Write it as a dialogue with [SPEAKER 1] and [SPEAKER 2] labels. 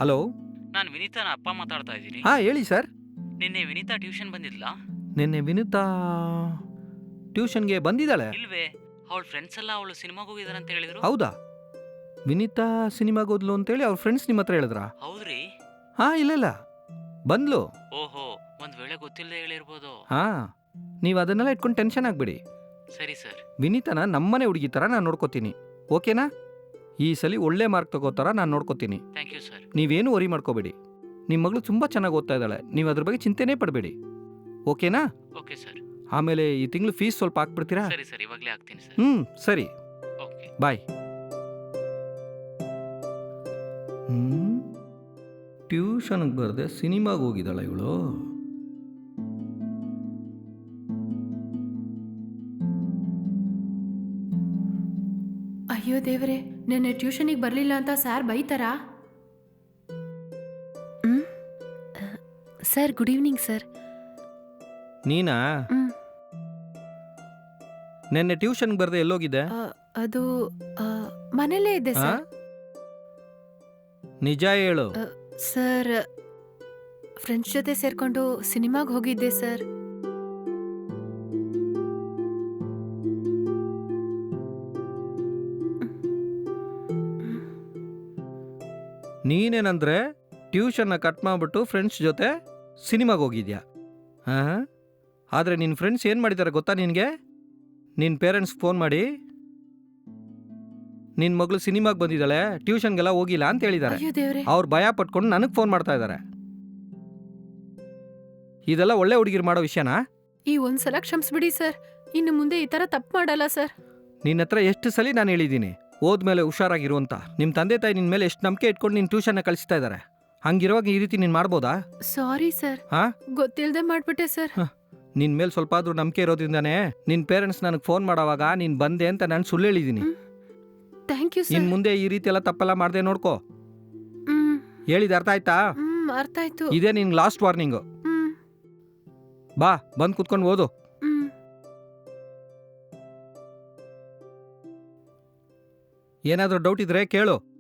[SPEAKER 1] Hello.
[SPEAKER 2] ನಾನು ವಿನೀತಾನ ಅಪ್ಪ ಮಾತಾಡ್ತಾ ಇದ್ದೀನಿ.
[SPEAKER 1] ಹಾಂ ಹೇಳಿ ಸರ್.
[SPEAKER 2] ನಿನ್ನೆ ವಿನೀತಾ ಟ್ಯೂಷನ್ ಬಂದಿದ್ಲಾ?
[SPEAKER 1] ನಿನ್ನೆ ವಿನುತಾ ಟ್ಯೂಷನ್ಗೆ ಬಂದಿದ್ದಾಳೆ.
[SPEAKER 2] ಇಲ್ವೇ? ಅವಳ ಫ್ರೆಂಡ್ಸ್ ಎಲ್ಲ ಅವಳು ಸಿನಿಮಾಗೆ ಹೋಗಿದಾರೆ ಅಂತ ಹೇಳಿದ್ರು.
[SPEAKER 1] ಹೌದಾ? ವಿನಿತಾ ಸಿನಿಮಾಗೆ ಹೋದ್ಲು ಅಂತೇಳಿ ಅವ್ರ ಫ್ರೆಂಡ್ಸ್ ನಿಮ್ಮ ಹತ್ರ ಹೇಳಿದ್ರಾ?
[SPEAKER 2] ಹೌದ್ರಿ?
[SPEAKER 1] ಹಾಂ ಇಲ್ಲ ಬಂದ್ಲು.
[SPEAKER 2] ಓಹೋ, ಒಂದ್ ವೇಳೆ ಗೊತ್ತಿಲ್ಲದೆ ಹೇಳಿರ್ಬೋದು.
[SPEAKER 1] ಹಾಂ, ನೀವು ಅದನ್ನೆಲ್ಲ ಇಟ್ಕೊಂಡು ಟೆನ್ಷನ್ ಆಗಬೇಡಿ.
[SPEAKER 2] ಸರಿ ಸರ್.
[SPEAKER 1] ವಿನೀತನ ನಮ್ಮನೆ ಹುಡುಗಿ ಥರ ನಾನು ನೋಡ್ಕೋತೀನಿ, ಓಕೆನಾ? ಈ ಸಲ ಒಳ್ಳೆ ಮಾರ್ಕ್ ತಗೋ ಥರ ನಾನು ನೋಡ್ಕೋತೀನಿ.
[SPEAKER 2] Thank you sir.
[SPEAKER 1] ನೀವೇನು ವರಿ ಮಾಡ್ಕೋಬೇಡಿ. ನಿಮ್ಮ ಮಗಳು ತುಂಬ ಚೆನ್ನಾಗಿ ಓದ್ತಾ ಇದ್ದಾಳೆ, ನೀವು ಅದ್ರ ಬಗ್ಗೆ ಚಿಂತೆನೇ ಪಡಬೇಡಿ, ಓಕೆನಾ?
[SPEAKER 2] Okay sir.
[SPEAKER 1] ಆಮೇಲೆ ಈ ತಿಂಗಳು ಫೀಸ್ ಸ್ವಲ್ಪ ಹಾಕ್ಬಿಡ್ತೀರಾ?
[SPEAKER 2] ಸರಿ ಸರ್, ಇವಾಗಲೇ ಆಗ್ತೀನಿ ಸರ್.
[SPEAKER 1] ಸರಿ,
[SPEAKER 2] ಓಕೆ
[SPEAKER 1] ಬಾಯ್. ಟ್ಯೂಷನ್ಗೆ ಬರದೆ ಸಿನಿಮಾಗೆ ಹೋಗಿದ್ದಾಳೆ ಇವಳು.
[SPEAKER 3] ಅಯ್ಯೋ ದೇವ್ರೆ, ನೆನ್ನೆ ಟ್ಯೂಷನಿಗೆ ಬರಲಿಲ್ಲ ಅಂತ ಸರ್ ಬೈತಾರಾ? Sir good evening sir.
[SPEAKER 1] ನೀನಾ? ನೆನ್ನೆ ಟ್ಯೂಷನ್ಗೆ ಬರದೆ ಎಲ್ಲೋಗಿದ್ದೆ?
[SPEAKER 3] ಅದು ಮನೇಲೇ ಇದೆ
[SPEAKER 1] ಆ?
[SPEAKER 3] ಸರ್.
[SPEAKER 1] ನಿಜ ಹೇಳು.
[SPEAKER 3] ಸರ್, ಫ್ರೆಂಡ್ಸ್ ಜೊತೆ ಸೇರ್ಕೊಂಡು ಸಿನಿಮಾಗೆ ಹೋಗಿದ್ದೆ ಸರ್.
[SPEAKER 1] ನೀನೇನಂದ್ರೆ ಟ್ಯೂಷನ್ನ ಕಟ್ ಮಾಡಿಬಿಟ್ಟು ಫ್ರೆಂಡ್ಸ್ ಜೊತೆ ಸಿನಿಮಾಗೆ ಹೋಗಿದ್ಯಾ? ಹಾಂ, ಆದರೆ ನಿನ್ನ ಫ್ರೆಂಡ್ಸ್ ಏನು ಮಾಡಿದ್ದಾರೆ ಗೊತ್ತಾ ನಿನಗೆ? ನಿನ್ನ ಪೇರೆಂಟ್ಸ್ಗೆ ಫೋನ್ ಮಾಡಿ ನಿನ್ನ ಮಗಳು ಸಿನಿಮಾಗೆ ಬಂದಿದ್ದಾಳೆ, ಟ್ಯೂಷನ್ಗೆಲ್ಲ ಹೋಗಿಲ್ಲ ಅಂತ ಹೇಳಿದ್ದಾರೆ.
[SPEAKER 3] ಅಯ್ಯೋ ದೇವ್ರೆ.
[SPEAKER 1] ಅವ್ರು ಭಯ ಪಟ್ಕೊಂಡು ನನಗೆ ಫೋನ್ ಮಾಡ್ತಾ ಇದ್ದಾರೆ. ಇದೆಲ್ಲ ಒಳ್ಳೆ ಹುಡುಗಿರು ಮಾಡೋ ವಿಷಯನಾ?
[SPEAKER 3] ಈ ಒಂದ್ಸಲ ಕ್ಷಮಿಸ್ಬಿಡಿ ಸರ್, ಇನ್ನು ಮುಂದೆ ಈ ಥರ ತಪ್ಪು ಮಾಡಲ್ಲ ಸರ್.
[SPEAKER 1] ನಿನ್ನ ಹತ್ರ ಎಷ್ಟು ಸಲ ನಾನು ಹೇಳಿದ್ದೀನಿ ಹೋದ್ಮೇಲೆ ಹುಷಾರಾಗಿರು ಅಂತ. ನಿಮ್ಮ ತಂದೆ ತಾಯಿ ನಿನ್ನ ಮೇಲೆ ಎಷ್ಟು ನಂಬಿಕೆ ಇಟ್ಕೊಂಡು ನಿನ್ನ ಟ್ಯೂಷನ್ನ ಕಳಿಸ್ತಾ ಇದ್ದಾರೆ. ಹಂಗಿರುವಾಗ ಈ ರೀತಿ ನೀನು ಮಾಡ್ಬೋದಾ?
[SPEAKER 3] ಸಾರಿ ಸರ್,
[SPEAKER 1] ಹಾಂ,
[SPEAKER 3] ಗೊತ್ತಿಲ್ಲದೆ ಮಾಡ್ಬಿಟ್ಟೆ ಸರ್.
[SPEAKER 1] ನಿನ್ನ ಮೇಲೆ ಸ್ವಲ್ಪ ಆದರೂ ನಂಬಿಕೆ ಇರೋದ್ರಿಂದಾನೇ ನಿನ್ನ ಪೇರೆಂಟ್ಸ್ ನನಗೆ ಫೋನ್ ಮಾಡೋವಾಗ ನೀನು ಬಂದೆ ಅಂತ ನಾನು ಸುಳ್ಳು ಹೇಳಿದ್ದೀನಿ.
[SPEAKER 3] ಥ್ಯಾಂಕ್ ಯು
[SPEAKER 1] ಇನ್ನು
[SPEAKER 3] ಸರ್.
[SPEAKER 1] ಮುಂದೆ ಈ ರೀತಿ ಎಲ್ಲ ತಪ್ಪೆಲ್ಲ ಮಾಡದೆ ನೋಡ್ಕೋ.
[SPEAKER 3] ಹ್ಮ್
[SPEAKER 1] ಹೇಳಿದ ಅರ್ಥ ಆಯ್ತಾ?
[SPEAKER 3] ಅರ್ಥ ಆಯ್ತು.
[SPEAKER 1] ಇದೇ ನಿನ್ಗೆ ಲಾಸ್ಟ್ ವಾರ್ನಿಂಗು.
[SPEAKER 3] ಹ್ಮ್
[SPEAKER 1] ಬಾ, ಬಂದು ಕುತ್ಕೊಂಡು ಓದು.
[SPEAKER 3] ಹ್ಮ್
[SPEAKER 1] ಏನಾದರೂ ಡೌಟ್ ಇದ್ರೆ ಕೇಳು.